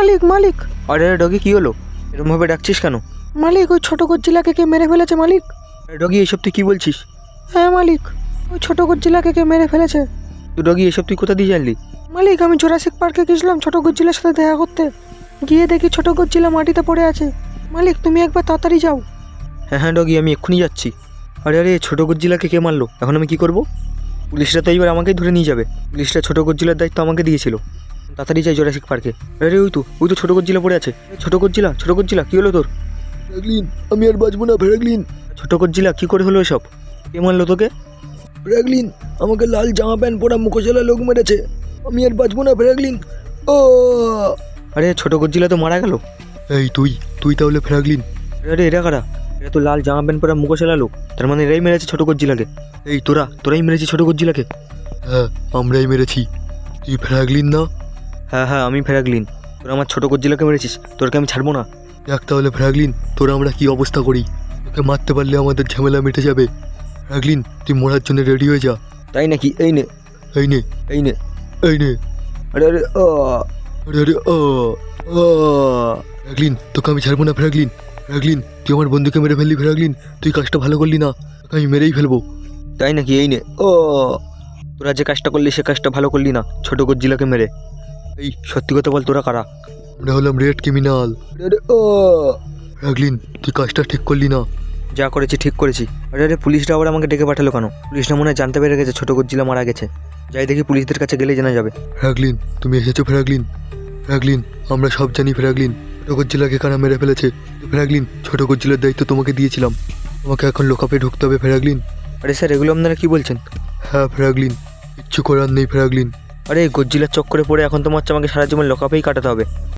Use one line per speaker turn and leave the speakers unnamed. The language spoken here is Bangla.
মালিক মালিক।
আরে ডগি কী হলো? এরকমভাবে ডাকছিস কেন?
মালিক ওই ছোট গজ্জিলাকে কে মেরে ফেলেছে মালিক।
আরে ডগি এসব তুই কী বলছিস?
হ্যাঁ মালিক, ওই ছোট গজ্জিলাকে কে মেরে ফেলেছে।
তুই ডগি এসব তুই কোথা দিয়ে জানলি?
মালিক আমি জুরাসিক পার্কে গেছিলাম ছোট গজ্জিলার সাথে দেখা করতে, গিয়ে দেখি ছোট গজ্জিলা মাটিতে পড়ে আছে। মালিক তুমি একবার তাড়াতাড়ি যাও।
হ্যাঁ হ্যাঁ ডগি, আমি এক্ষুনি যাচ্ছি। আরে আরে ছোটো গজ্জিলাকে কে মারলো? এখন আমি কী করব? পুলিশরা তো এইবার আমাকেই ধরে নিয়ে যাবে। পুলিশরা ছোটো গজ্জিলার দায়িত্ব আমাকে দিয়েছিল। তাড়াতাড়ি যাই জুরাসিক পার্কে। আরে ওই তো ছোটো গজ্জিলা পড়ে আছে। ছোটো গজ্জিলা কী হলো তোর?
ফ্র্যাঙ্কলিন, আমি আর বাঁচবো না ফ্র্যাঙ্কলিন।
ছোটো গজ্জিলা কী করে হলো এসব? কে মারলো তোকে?
ফ্র্যাঙ্কলিন, আমাকে লাল জামা প্যান্ট পরা মুখোশালা লোক মেরেছে। আমি আর বাঁচবো না ফ্র্যাঙ্কলিন। ও
আরে ছোটো গজ্জিলা তো মারা গেল।
এই তুই তাহলে ফ্র্যাঙ্কলিন?
আরে এরা কারা? এরা তো লাল জামা প্যান্ট পরা মুখোশালা লোক। তার মানে এরাই মেরেছে ছোটো গজ্জিলাকে। এই তোরাই মেরেছিস ছোটো গজ্জিলাকে?
হ্যাঁ, আমরাই মেরেছি। তুই ফ্র্যাঙ্কলিন না?
হ্যাঁ আমি ফ্র্যাঙ্কলিন। তোরা আমার ছোটো গজ্জিলাকে মেরেছিস, তোরকে আমি ছাড়বো না।
দেখ তাহলে ফ্র্যাঙ্কলিন, তোরা আমরা কি অবস্থা করি। তোকে মারতে পারলে আমাদের ঝামেলা মিটে যাবে। ফ্র্যাঙ্কলিন, তুই মরার জন্য রেডি হয়ে যা।
তাই নাকি? এই নে।
এই নে।
আরে আরে
আরে আরে ফ্র্যাঙ্কলিন, তোকে আমি ছাড়বো না ফ্র্যাঙ্কলিন। ফ্র্যাঙ্কলিন, তুই আমার বন্ধুকে মেরে ফেললি ফ্র্যাঙ্কলিন। তুই কাজটা ভালো করলি না, তোকে আমি মেরেই ফেলবো।
তাই নাকি? এই নে। তোরা যে কাজটা করলি সে কাজটা ভালো করলি না, ছোটো গজ্জিলাকে মেরে। এই সত্যি কথা বল, তোরা কারা?
আমরা হলাম রেড ক্রিমিনাল। ফ্র্যাঙ্কলিন, তুই কাজটা ঠিক করলি না।
যা করেছি ঠিক করেছি। আরে পুলিশরা আবার আমাকে ডেকে পাঠালো কেন? পুলিশরা মনে হয় জানতে পেরে গেছে ছোটো গজ্জিলা মারা গেছে। যাই দেখি, পুলিশদের কাছে গেলেই জানা যাবে।
ফ্র্যাঙ্কলিন, তুমি এসেছো ফ্র্যাঙ্কলিন, আমরা সব জানি ফ্র্যাঙ্কলিন। ছোট গজ্জিলাকে কারা মেরে ফেলেছে। ফ্র্যাঙ্কলিন, ছোট গজ্জিলার দায়িত্ব তোমাকে দিয়েছিলাম। তোমাকে এখন লোকাপে ঢুকতে হবে ফ্র্যাঙ্কলিন।
আরে স্যার, এগুলো আপনারা কি বলছেন?
হ্যাঁ ফ্র্যাঙ্কলিন, কিচ্ছু করার নেই ফ্র্যাঙ্কলিন।
আরে গজ্জিলার চক্করে পড়ে এখন তো মনে হচ্ছে আমাকে সারা জীবন লকআপেই কাটাতে হবে।